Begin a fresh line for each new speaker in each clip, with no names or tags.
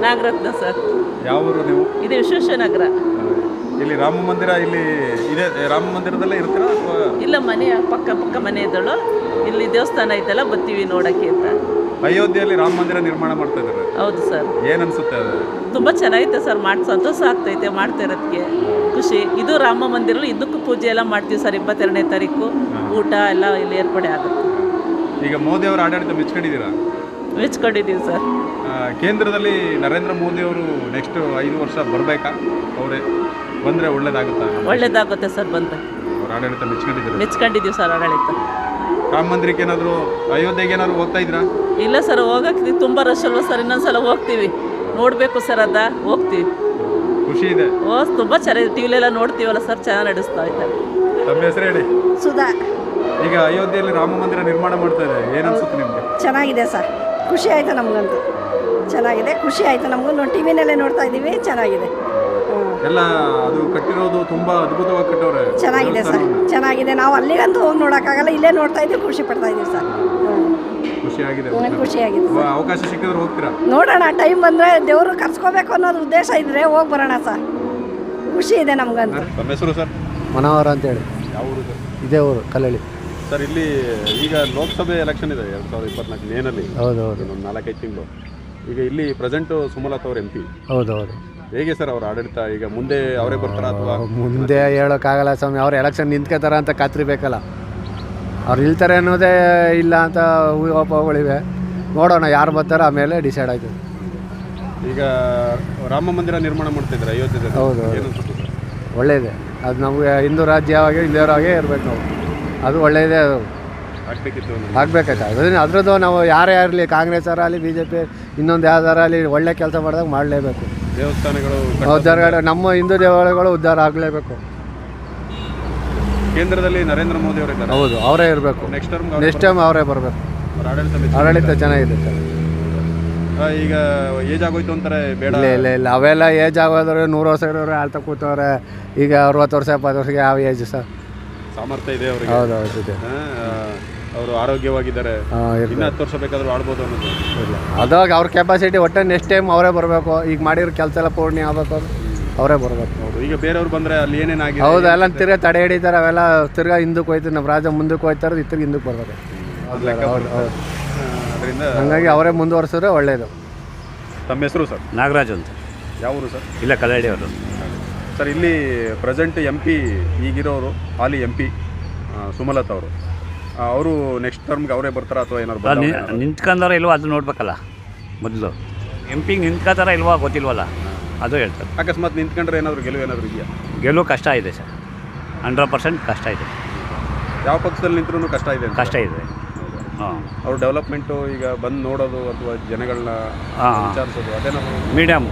Nagaratna sir.
ಯಾವ ಊರು ನೀವು?
ಇದು ವಿಶ್ವೇಶ್ವರನಗರ.
ಇಲ್ಲಿ ರಾಮ ಮಂದಿರ ಇಲ್ಲಿ ಇದೆ, ರಾಮ ಮಂದಿರದಲ್ಲೇ ಇರ್ತೀರಾ ಅಥವಾ?
ಇಲ್ಲ, ಮನೆ ಪಕ್ಕ ಮನೆ ಇದ್ದಳು. ಇಲ್ಲಿ ದೇವಸ್ಥಾನ ಐತಲ್ಲ, ಬರ್ತೀವಿ ನೋಡೋಕ್ಕೆ ಅಂತ.
ಅಯೋಧ್ಯೆಯಲ್ಲಿ ರಾಮ ಮಂದಿರ ನಿರ್ಮಾಣ ಮಾಡ್ತಾ ಇದ್ದಾರೆ.
ಹೌದು ಸರ್.
ಏನು ಅನಿಸುತ್ತೆ ಅದು?
ತುಂಬ ಚೆನ್ನಾಗೈತೆ ಸರ್, ಸಂತೋಷ ಆಗ್ತೈತೆ ಮಾಡ್ತಾ ಇರೋದಕ್ಕೆ, ಖುಷಿ. ಇದು ರಾಮ ಮಂದಿರ, ಇದಕ್ಕೂ ಪೂಜೆ ಎಲ್ಲ ಮಾಡ್ತೀವಿ ಸರ್. 22ನೇ ತಾರೀಕು ಊಟ ಎಲ್ಲ ಇಲ್ಲಿ ಏರ್ಪಡೆ ಆಗುತ್ತೆ.
ಈಗ ಮೋದಿ ಅವರ ಆಡಳಿತ ಮೆಚ್ಕೊಂಡಿದ್ದೀರಾ?
ಮೆಚ್ಕೊಂಡಿದ್ದೀವಿ ಸರ್.
ಕೇಂದ್ರದಲ್ಲಿ ನರೇಂದ್ರ ಮೋದಿ ಅವರು ನೆಕ್ಸ್ಟ್ 5 ವರ್ಷ ಬರಬೇಕಾ? ಅವರೇ ಬಂದರೆ ಒಳ್ಳೇದಾಗುತ್ತಾ?
ಒಳ್ಳೇದಾಗುತ್ತೆ ಸರ್. ಬಂದರೆ
ಅವ್ರ ಆಡಳಿತ
ಮೆಚ್ಕೊಂಡಿದ್ದೀವಿ ಸರ್ ಆಡಳಿತ.
ರಾಮ ಮಂದಿರಕ್ಕೆ ಏನಾದರೂ, ಅಯೋಧ್ಯೆಗೆ ಏನಾದರೂ ಹೋಗ್ತಾ ಇದ್ರಾ?
ಇಲ್ಲ ಸರ್, ಹೋಗಕ್ಕೆ ತುಂಬ ರಶ್ ಅಲ್ವ ಸರ್. ಇನ್ನೊಂದ್ಸಲ ಹೋಗ್ತೀವಿ, ನೋಡಬೇಕು ಸರ್. ಹೋಗ್ತೀವಿ.
ಖುಷಿ ಇದೆ?
ತುಂಬ ಚೆನ್ನಾಗಿ ಟಿವಿಲೆಲ್ಲ ನೋಡ್ತೀವಲ್ಲ ಸರ್, ಚೆನ್ನಾಗಿ ನಡೆಸ್ತಾ ಇದ್ದಾರೆ.
ತಮ್ಮ ಹೆಸರು ಹೇಳಿ.
ಸುಧಾ.
ಈಗ ಅಯೋಧ್ಯೆಯಲ್ಲಿ ರಾಮ ಮಂದಿರ ನಿರ್ಮಾಣ ಮಾಡ್ತಾ ಇದೆ, ಏನು ಅನ್ಸುತ್ತೆ ನಿಮಗೆ?
ಚೆನ್ನಾಗಿದೆ ಸರ್, ಖುಷಿ ಆಯಿತು ನಮಗಂತೂ. ಚೆನ್ನಾಗಿದೆ, ಖುಷಿ ಆಯಿತು ನಮಗೂ. ಟಿ ವಿನಲ್ಲೇ ನೋಡ್ತಾ ಇದ್ದೀವಿ, ಚೆನ್ನಾಗಿದೆ.
ಎಲ್ಲ ಅದು ಕಟ್ಟಿರೋದು ತುಂಬ ಅದ್ಭುತವಾಗಿ ಕಟ್ಟವ್ರೆ.
ಚೆನ್ನಾಗಿದೆ ಸರ್, ಚೆನ್ನಾಗಿದೆ. ನಾವು ಅಲ್ಲಿಗಂತೂ ಹೋಗಿ ನೋಡೋಕ್ಕಾಗಲ್ಲ, ಇಲ್ಲೇ ನೋಡ್ತಾ ಇದ್ದೀವಿ, ಖುಷಿ ಪಡ್ತಾ ಇದ್ದೀವಿ ಸರ್.
ಖುಷಿಯಾಗಿದೆ.
ಖುಷಿಯಾಗಿದೆ.
ಅವಕಾಶ ಸಿಕ್ಕಿದ್ರೆ ಹೋಗ್ತೀರಾ?
ನೋಡೋಣ, ಟೈಮ್ ಬಂದರೆ ದೇವರು ಕರ್ಸ್ಕೋಬೇಕು ಅನ್ನೋದು ಉದ್ದೇಶ ಇದ್ದರೆ ಹೋಗಿ ಬರೋಣ ಸರ್. ಖುಷಿ ಇದೆ ನಮಗಂತೂ.
ತಮ್ಮ ಹೆಸರು ಸರ್?
ಮನೋಹರ ಅಂತೇಳಿ.
ಯಾವ ಊರು ಸರ್?
ಇದೇ ಊರು, ಕಲ್ಲಳ್ಳಿ
ಸರ್. ಇಲ್ಲಿ ಈಗ ಲೋಕಸಭೆ ಎಲೆಕ್ಷನ್ ಇದೆ 2024 ಮೇನಲ್ಲಿ.
ಹೌದೌದು.
ಇನ್ನೊಂದು 4-5 ತಿಂಗಳು. ಈಗ ಇಲ್ಲಿ ಪ್ರೆಸೆಂಟು ಸುಮಲತಾ ಅವರು MP.
ಹೌದೌದು.
ಹೇಗೆ ಸರ್ ಅವ್ರ ಆಡಳಿತ? ಈಗ ಮುಂದೆ ಅವರೇ ಬರ್ತಾರಾ ಅಥವಾ?
ಮುಂದೆ ಹೇಳೋಕ್ಕಾಗಲ್ಲ ಸ್ವಾಮಿ. ಅವ್ರು ಎಲೆಕ್ಷನ್ ನಿಂತ್ಕೋತಾರ ಅಂತ ಖಾತ್ರಿ ಬೇಕಲ್ಲ. ಅವ್ರು ನಿಲ್ತಾರೆ ಅನ್ನೋದೇ ಇಲ್ಲ ಅಂತ ಊಹಾಪೋಹಗಳಿವೆ. ನೋಡೋಣ ಯಾರು ಬರ್ತಾರೋ ಆಮೇಲೆ ಡಿಸೈಡ್ ಆಯ್ತದೆ.
ಈಗ ರಾಮ ಮಂದಿರ ನಿರ್ಮಾಣ ಮಾಡ್ತಿದ್ದಾರೆ ಅಯೋಧ್ಯೆಯಲ್ಲಿ.
ಹೌದು.
ಏನು ಅನ್ಸುತ್ತೆ ಸರ್?
ಒಳ್ಳೆಯದೇ ಅದು. ನಮಗೆ ಹಿಂದೂ ರಾಜ್ಯವಾಗಿ ಇಲ್ಲಿಯವರಾಗೆ ಇರಬೇಕು ನಾವು. ಅದು ಒಳ್ಳೆಯದೇ. ಅದು
ಆಗಬೇಕಿತ್ತು,
ಆಗಬೇಕಾಯ್ತು. ಅದರದ್ದು ನಾವು ಯಾರೇ ಇರಲಿ, ಕಾಂಗ್ರೆಸ್ ಆಗಲಿ, BJP, ಇನ್ನೊಂದು ಯಾವ್ದಾರ ಆಗಲಿ, ಒಳ್ಳೆ ಕೆಲಸ ಮಾಡಿದಾಗ ಮಾಡಲೇಬೇಕು.
ದೇವಸ್ಥಾನಗಳು
ಉದ್ಧಾರ, ನಮ್ಮ ಹಿಂದೂ ದೇವಾಲಯಗಳು ಉದ್ಧಾರ ಆಗಲೇಬೇಕು.
ಕೇಂದ್ರದಲ್ಲಿ ನರೇಂದ್ರ ಮೋದಿ ಅವರು ಇದ್ದಾರೆ.
ಹೌದು, ಅವರೇ ಇರಬೇಕು. ನೆಕ್ಸ್ಟ್ ಟೈಮ್ ಅವರೇ ಬರಬೇಕು. ಆಡಳಿತ ಚೆನ್ನಾಗಿದೆ ಸರ್.
ಈಗ ಏಜ್ ಆಗೋಯ್ತು ಅಂತಾರೆ, ಬೇಡ.
ಇಲ್ಲ ಅವೆಲ್ಲ ಏಜ್ ಆಗೋದ್ರೆ 100 ವರ್ಷ ಇರೋರು ಆಳ್ತಾ ಕೂತವ್ರೆ. ಈಗ 60 ವರ್ಷ 70 ವರ್ಷಕ್ಕೆ ಯಾವ ಏಜ್ ಸರ್?
ಸಾಮರ್ಥ್ಯ ಇದೆ ಅವರಿಗೆ.
ಹೌದೌದು ಇದೆ.
ಅವರು ಆರೋಗ್ಯವಾಗಿದ್ದಾರೆ. ಇನ್ನು 10 ವರ್ಷ ಬೇಕಾದರೂ ಆಡ್ಬೋದು ಅನ್ನೋದು
ಇಲ್ಲ. ಅದಾಗ ಅವ್ರ ಕೆಪಾಸಿಟಿ. ಒಟ್ಟೆ ನೆಕ್ಸ್ಟ್ ಟೈಮ್ ಅವರೇ ಬರಬೇಕು. ಈಗ ಮಾಡಿರೋ ಕೆಲಸ ಎಲ್ಲ ಪೂರ್ಣ ಆಗಬೇಕು, ಅವರೇ ಬರಬೇಕು.
ಹೌದು. ಈಗ ಬೇರೆಯವ್ರು ಬಂದರೆ ಅಲ್ಲಿ ಏನೇನಾಗಿದೆ?
ಹೌದು, ಎಲ್ಲ ತಿರ್ಗಾ ತಡೆ ಹಿಡಿತಾರೆ. ಅವೆಲ್ಲ ತಿರ್ಗಾ ಹಿಂದಕ್ಕೆ ಹೋಯ್ತಾರೆ. ನಮ್ಮ ರಾಜ್ಯ ಮುಂದಕ್ಕೆ ಹೋಯ್ತಾರೆ, ಇತ್ತಿಗೆ ಹಿಂದಕ್ಕೆ ಬರ್ಬೇಕು.
ಅದರಿಂದ
ಹಾಗಾಗಿ ಅವರೇ ಮುಂದುವರ್ಸಿದ್ರೆ ಒಳ್ಳೆಯದು.
ತಮ್ಮ ಹೆಸರು ಸರ್?
ನಾಗರಾಜ್ ಅಂತ.
ಯಾವ ಊರು ಸರ್?
ಇಲ್ಲ, ಕಲ್ಲಳ್ಳಿ ಅವರು
ಸರ್. ಇಲ್ಲಿ ಪ್ರೆಸೆಂಟ್ MP ಈಗಿರೋರು, ಹಾಲಿ MP ಸುಮಲತಾ ಅವರು ನೆಕ್ಸ್ಟ್ ಟರ್ಮ್ಗೆ ಅವರೇ ಬರ್ತಾರಾ ಅಥವಾ ಏನಾದ್ರು
ನಿಂತ್ಕೊಂಡಾರ ಇಲ್ವೋ ಅದು ನೋಡ್ಬೇಕಲ್ಲ ಮೊದಲು. MP ನಿಂತ್ಕೋತಾರ ಇಲ್ವೋ ಗೊತ್ತಿಲ್ವಲ್ಲ, ಅದು ಹೇಳ್ತಾರೆ.
ಅಕಸ್ಮಾತ್ ನಿಂತ್ಕೊಂಡ್ರೆ ಏನಾದರೂ ಗೆಲುವು ಇದೆಯಾ?
ಗೆಲುವು ಕಷ್ಟ ಇದೆ ಸರ್, 100% ಕಷ್ಟ ಇದೆ.
ಯಾವ ಪಕ್ಷದಲ್ಲಿ ನಿಂತ್ರೂ ಕಷ್ಟ ಇದೆ.
ಕಷ್ಟ ಇದೆ. ಹಾಂ.
ಅವ್ರು ಡೆವಲಪ್ಮೆಂಟು ಈಗ ಬಂದು ನೋಡೋದು ಅಥವಾ ಜನಗಳನ್ನ ವಿಚಾರಿಸೋದು ಅದೇನಾದ್ರು
ಮೀಡಿಯಮ್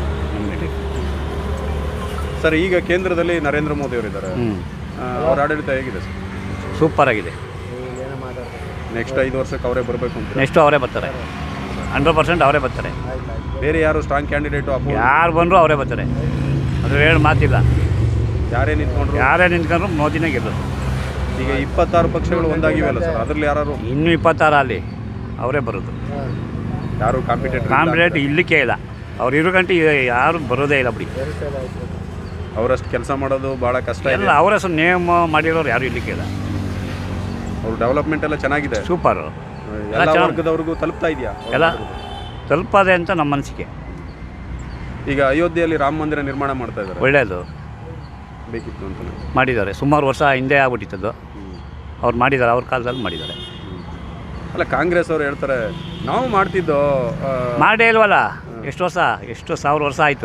ಸರ್. ಈಗ ಕೇಂದ್ರದಲ್ಲಿ ನರೇಂದ್ರ ಮೋದಿ ಅವರಿದ್ದಾರೆ. ಅವ್ರ ಆಡಳಿತ ಹೇಗಿದೆ ಸರ್?
ಸೂಪರ್ ಆಗಿದೆ.
ನೆಕ್ಸ್ಟ್ 5 ವರ್ಷಕ್ಕೆ ಅವರೇ ಬರಬೇಕು ಅಂತ?
ನೆಕ್ಸ್ಟು ಅವರೇ ಬರ್ತಾರೆ, 100% ಅವರೇ ಬರ್ತಾರೆ.
ಬೇರೆ ಯಾರು ಸ್ಟ್ರಾಂಗ್ ಕ್ಯಾಂಡಿಡೇಟು?
ಯಾರು ಬಂದರೂ ಅವರೇ ಬರ್ತಾರೆ, ಅದು ಹೇಳಿ ಮಾತಿಲ್ಲ.
ಯಾರೇ
ನಿಂತ್ಕೊಂಡ್ರು ಮೋದಿನೇ ಗೆಲ್ಲೋದು.
ಈಗ 26 ಪಕ್ಷಗಳು ಒಂದಾಗಿವೆಯಲ್ಲ ಸರ್, ಅದರಲ್ಲಿ ಯಾರು?
ಇನ್ನೂ 26 ಅಲ್ಲಿ ಅವರೇ ಬರೋದು.
ಯಾರು
ಕಾಂಪಿಟೇಟ್ ಇಲ್ಲಿಕ್ಕೆ ಇಲ್ಲ. ಅವ್ರು ಇರೋ ಗಂಟೆ ಯಾರು ಬರೋದೇ ಇಲ್ಲ ಬಿಡಿ.
ಅವರಷ್ಟು ಕೆಲಸ ಮಾಡೋದು ಭಾಳ ಕಷ್ಟ
ಇಲ್ಲ. ಅವರಷ್ಟು ನೇಮ ಮಾಡಿರೋರು ಯಾರು ಇಲ್ಲಿಕ್ಕೆ ಇಲ್ಲ.
ಅವ್ರ ಡೆವಲಪ್ಮೆಂಟ್ ಎಲ್ಲ ಚೆನ್ನಾಗಿದೆ,
ಸೂಪರು.
ಎಲ್ಲ ವರ್ಗದವ್ರಿಗೂ ತಲುಪ್ತಾ ಇದೆಯಾ?
ಎಲ್ಲ ತಲುಪದೆ ಅಂತ ನಮ್ಮ ಅನಿಸಿಕೆ.
ಈಗ ಅಯೋಧ್ಯೆಯಲ್ಲಿ ರಾಮ ಮಂದಿರ ನಿರ್ಮಾಣ ಮಾಡ್ತಾ ಇದ್ದಾರೆ,
ಒಳ್ಳೆಯದು.
ಬೇಕಿತ್ತು ಅಂತ
ಮಾಡಿದ್ದಾರೆ. ಸುಮಾರು ವರ್ಷ ಹಿಂದೆ ಆಗ್ಬಿಟ್ಟಿತ್ತದು. ಅವ್ರು ಮಾಡಿದ್ದಾರೆ, ಅವ್ರ ಕಾಲದಲ್ಲಿ ಮಾಡಿದ್ದಾರೆ.
ಅಲ್ಲ, ಕಾಂಗ್ರೆಸ್ ಅವರು ಹೇಳ್ತಾರೆ ನಾವು ಮಾಡ್ತಿದ್ದೋ.
ಮಾಡೇ ಇಲ್ವಲ್ಲ. ಎಷ್ಟು 1000 ವರ್ಷ ಆಯಿತು,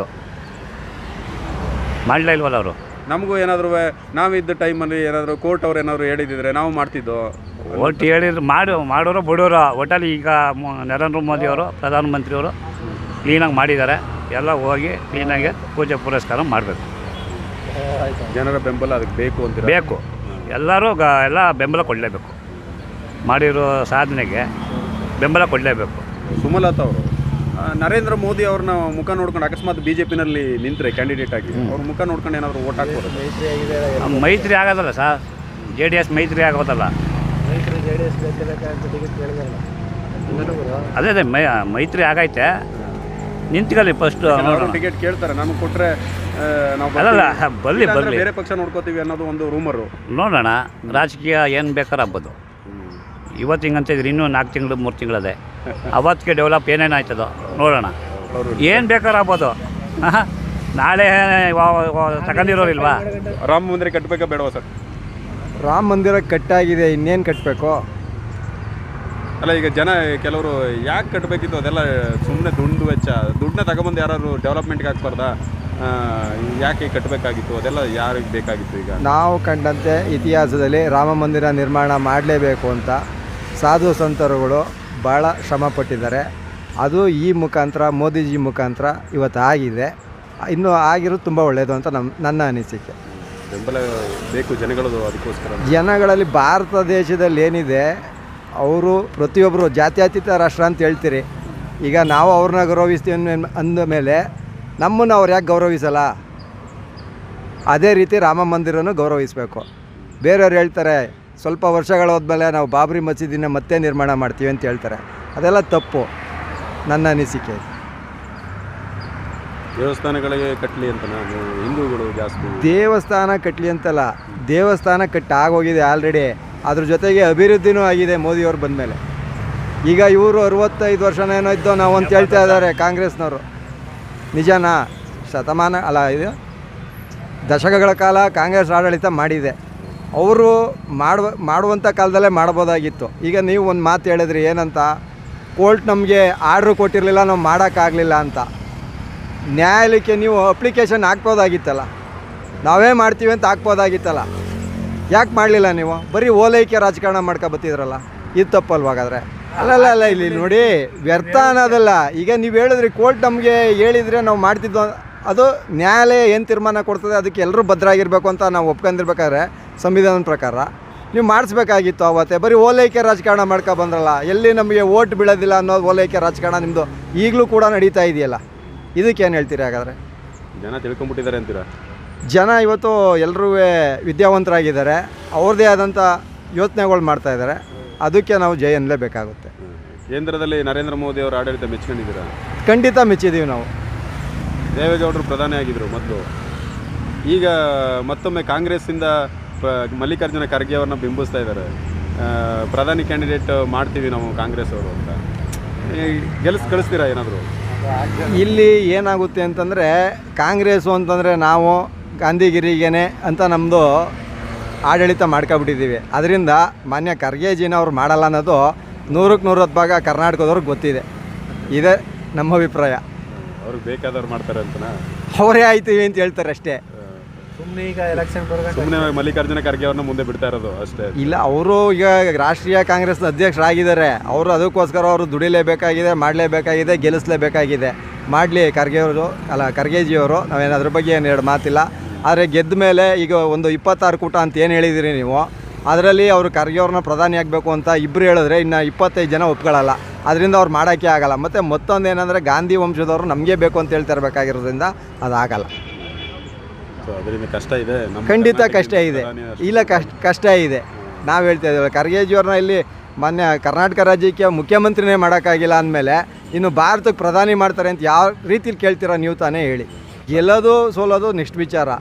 ಮಾಡಲೇ ಇಲ್ವಲ್ಲ ಅವರು.
ನಮಗೂ ಏನಾದರೂ ನಾವಿದ್ದ ಟೈಮಲ್ಲಿ ಏನಾದರೂ ಕೋರ್ಟ್ ಅವ್ರು ಏನಾದರೂ ಹೇಳಿದಿದ್ರೆ ನಾವು ಮಾಡ್ತಿದ್ದೋ.
ಒಟ್ಟು ಹೇಳಿದ್ರು ಮಾಡೋರು ಬಿಡೋರು. ಒಟ್ಟಲ್ಲಿ ಈಗ ನರೇಂದ್ರ ಮೋದಿ ಅವರು ಪ್ರಧಾನಮಂತ್ರಿಯವರು ಕ್ಲೀನಾಗಿ ಮಾಡಿದ್ದಾರೆ. ಎಲ್ಲ ಹೋಗಿ ಕ್ಲೀನಾಗಿ ಪೂಜೆ ಪುರಸ್ಕಾರ ಮಾಡಬೇಕು.
ಜನರ ಬೆಂಬಲ ಅದಕ್ಕೆ ಬೇಕು ಅಂತ
ಬೇಕು. ಎಲ್ಲರೂ ಎಲ್ಲ ಬೆಂಬಲ ಕೊಡಲೇಬೇಕು. ಮಾಡಿರೋ ಸಾಧನೆಗೆ ಬೆಂಬಲ ಕೊಡಲೇಬೇಕು.
ಸುಮಲತಾ ಅವರು ನರೇಂದ್ರ ಮೋದಿ ಅವ್ರನ್ನ ಮುಖ ನೋಡ್ಕೊಂಡು ಅಕಸ್ಮಾತ್ BJPನಲ್ಲಿ ನಿಂತರೆ ಕ್ಯಾಂಡಿಡೇಟ್ ಆಗಿ ಅವ್ರ ಮುಖ ನೋಡ್ಕೊಂಡು ಏನಾದರೂ ಓಟ್ ಹಾಕ್ಬೋದು?
ಮೈತ್ರಿ ಆಗೋದಲ್ಲ ಸರ್, JDS ಮೈತ್ರಿ ಆಗೋದಲ್ಲ. ಅದೇ ಮೈತ್ರಿ ಆಗೈತೆ. ನಿಂತ್ಕೊಳ್ಳಿ ಫಸ್ಟು
ಅವರು ಟಿಕೆಟ್ ಕೇಳ್ತಾರೆ, ನಮಗೆ ಕೊಟ್ಟರೆ ನಾವು
ಅಲ್ಲಲ್ಲ
ಬರ್ತೀವಿ.
ಬರಲಿ
ಇಲ್ಲ ಅಂದ್ರೆ
ಬರಲಿ
ಬೇರೆ ಪಕ್ಷ ನೋಡ್ಕೋತೀವಿ ಅನ್ನೋದು ಒಂದು ರೂಮರು.
ನೋಡೋಣ. ರಾಜಕೀಯ ಏನು ಬೇಕಾದ್ರೆ ಆಗ್ಬೋದು. ಇವತ್ತು ಹಿಂಗಂತಿದ್ರೆ ಇನ್ನೂ 4 ತಿಂಗಳು 3 ತಿಂಗಳದೆ ಅವತ್ತಿಗೆ ಡೆವಲಪ್ ಏನೇನು ಆಯ್ತದೋ ನೋಡೋಣ. ಏನು ಬೇಕಾದ್ರೆ ಆಗ್ಬೋದು. ನಾಳೆ ತಗೊಂಡಿರೋರಿಲ್ವಾ?
ರಾಮ ಮಂದಿರ ಕಟ್ಟಬೇಕಾ ಬೇಡವಾ ಸರ್?
ರಾಮ ಮಂದಿರ ಕಟ್ಟಾಗಿದೆ, ಇನ್ನೇನು ಕಟ್ಟಬೇಕು?
ಅಲ್ಲ, ಈಗ ಜನ ಕೆಲವರು ಯಾಕೆ ಕಟ್ಟಬೇಕಿತ್ತು, ಅದೆಲ್ಲ ಸುಮ್ಮನೆ ದುಡ್ಡು ವೆಚ್ಚ, ದುಡ್ಡನ್ನ ತಗೊಂಬಂದು ಯಾರು ಡೆವಲಪ್ಮೆಂಟ್ಗೆ ಹಾಕ್ಬಾರ್ದಾ? ಯಾಕೆ ಕಟ್ಟಬೇಕಾಗಿತ್ತು, ಅದೆಲ್ಲ ಯಾರಿಗೆ ಬೇಕಾಗಿತ್ತು? ಈಗ
ನಾವು ಕಂಡಂತೆ ಇತಿಹಾಸದಲ್ಲಿ ರಾಮ ಮಂದಿರ ನಿರ್ಮಾಣ ಮಾಡಲೇಬೇಕು ಅಂತ ಸಾಧು ಸಂತರುಗಳು ಭಾಳ ಶ್ರಮಪಟ್ಟಿದ್ದಾರೆ. ಅದು ಈ ಮುಖಾಂತರ, ಮೋದಿಜಿ ಮುಖಾಂತರ ಇವತ್ತು ಆಗಿದೆ. ಇನ್ನೂ ಆಗಿರೋದು ತುಂಬ ಒಳ್ಳೆಯದು ಅಂತ ನನ್ನ ಅನಿಸಿಕೆ.
ಬೆಂಬಲ ಬೇಕು ಜನಗಳದು, ಅದಕ್ಕೋಸ್ಕರ
ಜನಗಳಲ್ಲಿ ಭಾರತ ದೇಶದಲ್ಲಿ ಏನಿದೆ, ಅವರು ಪ್ರತಿಯೊಬ್ಬರು ಜಾತ್ಯತೀತ ರಾಷ್ಟ್ರ ಅಂತ ಹೇಳ್ತೀರಿ. ಈಗ ನಾವು ಅವ್ರನ್ನ ಗೌರವಿಸ್ತೀವಿ ಅಂದ ಮೇಲೆ ನಮ್ಮನ್ನು ಅವ್ರು ಯಾಕೆ ಗೌರವಿಸಲ್ಲ? ಅದೇ ರೀತಿ ರಾಮ ಮಂದಿರನೂ ಗೌರವಿಸಬೇಕು. ಬೇರೆಯವ್ರು ಹೇಳ್ತಾರೆ ಸ್ವಲ್ಪ ವರ್ಷಗಳ ಹೋದ್ಮೇಲೆ ನಾವು ಬಾಬ್ರಿ ಮಸೀದಿನ ಮತ್ತೆ ನಿರ್ಮಾಣ ಮಾಡ್ತೀವಿ ಅಂತ ಹೇಳ್ತಾರೆ. ಅದೆಲ್ಲ ತಪ್ಪು, ನನ್ನ ಅನಿಸಿಕೆ.
ದೇವಸ್ಥಾನಗಳಿಗೆ ಕಟ್ಟಲಿ ಅಂತ ಹಿಂದೂಗಳು ಜಾಸ್ತಿ
ದೇವಸ್ಥಾನ ಕಟ್ಟಲಿ ಅಂತಲ್ಲ, ದೇವಸ್ಥಾನ ಆಗೋಗಿದೆ ಆಲ್ರೆಡಿ. ಅದ್ರ ಜೊತೆಗೆ ಅಭಿವೃದ್ಧಿನೂ ಆಗಿದೆ ಮೋದಿಯವ್ರು ಬಂದಮೇಲೆ. ಈಗ ಇವರು 65 ವರ್ಷನೇನೋ ಇದ್ದೋ ನಾವು ಅಂತ ಹೇಳ್ತಾ ಇದ್ದಾರೆ ಕಾಂಗ್ರೆಸ್ನವರು. ನಿಜನಾ? ಶತಮಾನ ಅಲ್ಲ, ಇದು ದಶಕಗಳ ಕಾಲ ಕಾಂಗ್ರೆಸ್ ಆಡಳಿತ ಮಾಡಿದೆ. ಅವರು ಮಾಡುವಂಥ ಕಾಲದಲ್ಲೇ ಮಾಡ್ಬೋದಾಗಿತ್ತು. ಈಗ ನೀವು ಒಂದು ಮಾತು ಹೇಳಿದ್ರಿ, ಏನಂತ, ಕೋರ್ಟ್ ನಮಗೆ ಆರ್ಡ್ರ್ ಕೊಟ್ಟಿರಲಿಲ್ಲ, ನಾವು ಮಾಡೋಕ್ಕಾಗಲಿಲ್ಲ ಅಂತ. ನ್ಯಾಯಾಲಯಕ್ಕೆ ನೀವು ಅಪ್ಲಿಕೇಶನ್ ಹಾಕ್ಬೋದಾಗಿತ್ತಲ್ಲ, ನಾವೇ ಮಾಡ್ತೀವಿ ಅಂತ ಹಾಕ್ಬೋದಾಗಿತ್ತಲ್ಲ. ಯಾಕೆ ಮಾಡಲಿಲ್ಲ ನೀವು? ಬರೀ ಓಲೈಕೆ ರಾಜಕಾರಣ ಮಾಡ್ಕೊಬತ್ತಿದ್ರಲ್ಲ, ಇದು ತಪ್ಪಲ್ವಾಗಾದರೆ? ಅಲ್ಲ ಇಲ್ಲಿ ನೋಡಿ, ವ್ಯರ್ಥ ಅನ್ನೋದಲ್ಲ. ಈಗ ನೀವು ಹೇಳಿದ್ರಿ ಕೋರ್ಟ್ ನಮಗೆ ಹೇಳಿದರೆ ನಾವು ಮಾಡ್ತಿದ್ದೋ, ಅದು ನ್ಯಾಯಾಲಯ ಏನು ತೀರ್ಮಾನ ಕೊಡ್ತದೆ ಅದಕ್ಕೆ ಎಲ್ಲರೂ ಭದ್ರಾಗಿರಬೇಕು ಅಂತ ನಾವು ಒಪ್ಕೊಂಡಿರ್ಬೇಕಾದ್ರೆ ಸಂವಿಧಾನದ ಪ್ರಕಾರ ನೀವು ಮಾಡಿಸ್ಬೇಕಾಗಿತ್ತು ಅವತ್ತೇ. ಬರೀ ಓಲೈಕೆ ರಾಜಕಾರಣ ಬಂದ್ರಲ್ಲ, ಎಲ್ಲಿ ನಮಗೆ ಓಟ್ ಬೀಳೋದಿಲ್ಲ ಅನ್ನೋದು ಓಲೈಕೆ ರಾಜಕಾರಣ ನಿಮ್ಮದು ಈಗಲೂ ಕೂಡ ನಡೀತಾ ಇದೆಯಲ್ಲ. ಇದಕ್ಕೇನು ಹೇಳ್ತೀರಿ ಹಾಗಾದರೆ?
ಜನ ತಿಳ್ಕೊಂಬಿಟ್ಟಿದ್ದಾರೆ ಅಂತೀರಾ?
ಜನ ಇವತ್ತು ಎಲ್ಲರೂ ವಿದ್ಯಾವಂತರಾಗಿದ್ದಾರೆ, ಅವ್ರದ್ದೇ ಆದಂಥ ಯೋಚನೆಗಳು ಮಾಡ್ತಾಯಿದ್ದಾರೆ. ಅದಕ್ಕೆ ನಾವು ಜೈ ಅನ್ನಲೇಬೇಕಾಗುತ್ತೆ.
ಕೇಂದ್ರದಲ್ಲಿ ನರೇಂದ್ರ ಮೋದಿ ಅವರ ಆಡಳಿತ ಮೆಚ್ಕೊಂಡಿದ್ದೀರಾ?
ಖಂಡಿತ ಮೆಚ್ಚಿದ್ದೀವಿ ನಾವು.
ದೇವೇಗೌಡರು ಪ್ರಧಾನಿ ಆಗಿದ್ದರು ಮೊದಲು. ಈಗ ಮತ್ತೊಮ್ಮೆ ಕಾಂಗ್ರೆಸ್ಸಿಂದ ಮಲ್ಲಿಕಾರ್ಜುನ ಖರ್ಗೆ ಅವ್ರನ್ನ ಬಿಂಬಿಸ್ತಾ ಇದ್ದಾರೆ. ಪ್ರಧಾನಿ ಕ್ಯಾಂಡಿಡೇಟ್ ಮಾಡ್ತೀವಿ ನಾವು ಕಾಂಗ್ರೆಸ್ ಅವರು ಅಂತ. ಕಳಿಸ್ತೀರಾ ಏನಾದರೂ?
ಇಲ್ಲಿ ಏನಾಗುತ್ತೆ ಅಂತಂದರೆ, ಕಾಂಗ್ರೆಸ್ಸು ಅಂತಂದರೆ ನಾವು ಗಾಂಧಿಗಿರಿಗೇನೆ ಅಂತ ನಮ್ಮದು ಆಡಳಿತ ಮಾಡ್ಕೊಬಿಟ್ಟಿದ್ದೀವಿ. ಅದರಿಂದ ಮಾನ್ಯ ಖರ್ಗೆಜಿನ ಅವ್ರು ಮಾಡಲ್ಲ ಅನ್ನೋದು 100ಕ್ಕೆ 100 ಭಾಗ ಕರ್ನಾಟಕದವ್ರಿಗೆ ಗೊತ್ತಿದೆ. ಇದೇ ನಮ್ಮ ಅಭಿಪ್ರಾಯ.
ಅವ್ರಿಗೆ ಬೇಕಾದವ್ರು ಮಾಡ್ತಾರೆ ಅಂತನಾ?
ಅವರೇ ಆಯ್ತೀವಿ ಅಂತ ಹೇಳ್ತಾರೆ ಅಷ್ಟೇ.
ಸುಮ್ಮನೆ ಮಲ್ಲಿಕಾರ್ಜುನ ಖರ್ಗೆ ಅವ್ರನ್ನ ಮುಂದೆ ಬಿಡ್ತಾ ಇರೋದು ಅಷ್ಟೇ. ಇಲ್ಲ,
ಅವರು ಈಗ ರಾಷ್ಟ್ರೀಯ ಕಾಂಗ್ರೆಸ್ನ ಅಧ್ಯಕ್ಷರಾಗಿದ್ದಾರೆ. ಅವರು ಅದಕ್ಕೋಸ್ಕರ ಅವರು ದುಡಿಲೇಬೇಕಾಗಿದೆ, ಮಾಡಲೇಬೇಕಾಗಿದೆ, ಗೆಲ್ಲಿಸಲೇಬೇಕಾಗಿದೆ. ಮಾಡಲಿ ಖರ್ಗೆಜಿಯವರು. ನಾವೇನು ಬಗ್ಗೆ ಏನು ಎರಡು ಮಾತಿಲ್ಲ. ಆದರೆ ಗೆದ್ದ ಮೇಲೆ ಈಗ ಒಂದು 26 ಕೂಟ ಅಂತ ಏನು ಹೇಳಿದಿರಿ ನೀವು, ಅದರಲ್ಲಿ ಅವರು ಖರ್ಗೆ ಅವ್ರನ್ನ ಪ್ರಧಾನಿ ಆಗಬೇಕು ಅಂತ ಇಬ್ಬರು ಹೇಳಿದ್ರೆ ಇನ್ನು 25 ಜನ ಒಪ್ಕೊಳ್ಳಲ್ಲ. ಅದರಿಂದ ಅವ್ರು ಮಾಡೋಕ್ಕೆ ಆಗಲ್ಲ. ಮತ್ತು ಮತ್ತೊಂದು ಏನಂದರೆ, ಗಾಂಧಿ ವಂಶದವರು ನಮಗೆ ಬೇಕು ಅಂತ ಹೇಳ್ತಿರ್ಬೇಕಾಗಿರೋದ್ರಿಂದ ಅದಾಗಲ್ಲ.
ಅದರಿಂದ ಕಷ್ಟ ಇದೆ,
ಖಂಡಿತ ಕಷ್ಟ ಇದೆ. ಇಲ್ಲ, ಕಷ್ಟ ಇದೆ. ನಾವು ಹೇಳ್ತಾ ಇದ್ದೀವಿ, ಖರ್ಗೆಜಿಯವ್ರನ್ನ ಇಲ್ಲಿ ಮಾನ್ಯ ಕರ್ನಾಟಕ ರಾಜ್ಯಕ್ಕೆ ಮುಖ್ಯಮಂತ್ರಿನೇ ಮಾಡೋಕ್ಕಾಗಿಲ್ಲ ಅಂದಮೇಲೆ ಇನ್ನು ಭಾರತಕ್ಕೆ ಪ್ರಧಾನಿ ಮಾಡ್ತಾರೆ ಅಂತ ಯಾವ ರೀತಿಲಿ ಕೇಳ್ತೀರಾ ನೀವು ತಾನೇ ಹೇಳಿ? ಗೆಲ್ಲೋದು ಸೋಲೋದು ನೆಕ್ಸ್ಟ್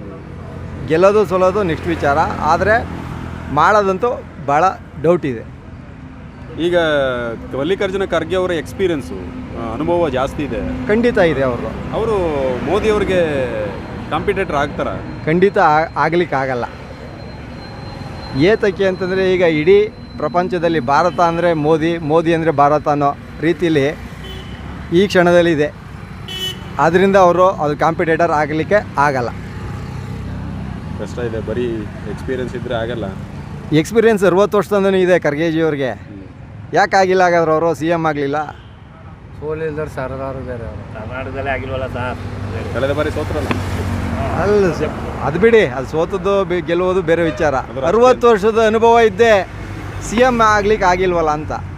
ವಿಚಾರ, ಆದರೆ ಮಾಡೋದಂತೂ ಭಾಳ ಡೌಟ್ ಇದೆ.
ಈಗ ಮಲ್ಲಿಕಾರ್ಜುನ ಖರ್ಗೆ ಅವರ ಎಕ್ಸ್ಪೀರಿಯನ್ಸು, ಅನುಭವ ಜಾಸ್ತಿ ಇದೆ.
ಖಂಡಿತ ಇದೆ.
ಅವರು ಮೋದಿ ಅವ್ರಿಗೆ ಕಾಂಪಿಟೇಟರ್ ಆಗ್ತಾರ?
ಖಂಡಿತ ಆಗಲಿಕ್ಕಾಗಲ್ಲ. ಏತಕ್ಕೆ ಅಂತಂದರೆ, ಈಗ ಇಡೀ ಪ್ರಪಂಚದಲ್ಲಿ ಭಾರತ ಅಂದರೆ ಮೋದಿ ಅಂದರೆ ಭಾರತ ಅನ್ನೋ ರೀತಿಯಲ್ಲಿ ಈ ಕ್ಷಣದಲ್ಲಿದೆ. ಆದ್ದರಿಂದ ಅದು ಕಾಂಪಿಟೇಟರ್ ಆಗಲಿಕ್ಕೆ ಆಗಲ್ಲ.
ಕಷ್ಟ ಇದೆ, ಬರೀ ಎಕ್ಸ್ಪೀರಿಯನ್ಸ್ ಇದ್ದರೆ ಆಗಲ್ಲ.
ಎಕ್ಸ್ಪೀರಿಯನ್ಸ್ 60 ವರ್ಷದಿಂದನೂ ಇದೆ ಖರ್ಗೆಜಿಯವ್ರಿಗೆ. ಯಾಕೆ ಆಗಿಲ್ಲ ಹಾಗಾದ್ರೆ? ಅವರು CM ಆಗಲಿಲ್ಲ.
ಸೋಲಿಲ್ದವ್ರು ಸರದಾರು ಬೇರೆ.
ಕರ್ನಾಟಕದಲ್ಲೇ ಆಗಿಲ್ವಲ್ಲ ಸರ್?
ಕಳೆದ ಬಾರಿ ಸೋತ್ರಲ್ಲ?
ಅಲ್ಲ, ಅದು ಬಿಡಿ, ಅದು ಸೋತದ್ದು ಗೆಲ್ಲುವುದು ಬೇರೆ ವಿಚಾರ. 60 ವರ್ಷದ ಅನುಭವ ಇದ್ದೇ CM ಆಗ್ಲಿಕ್ಕೆ ಆಗಿಲ್ವಲ್ಲ ಅಂತ.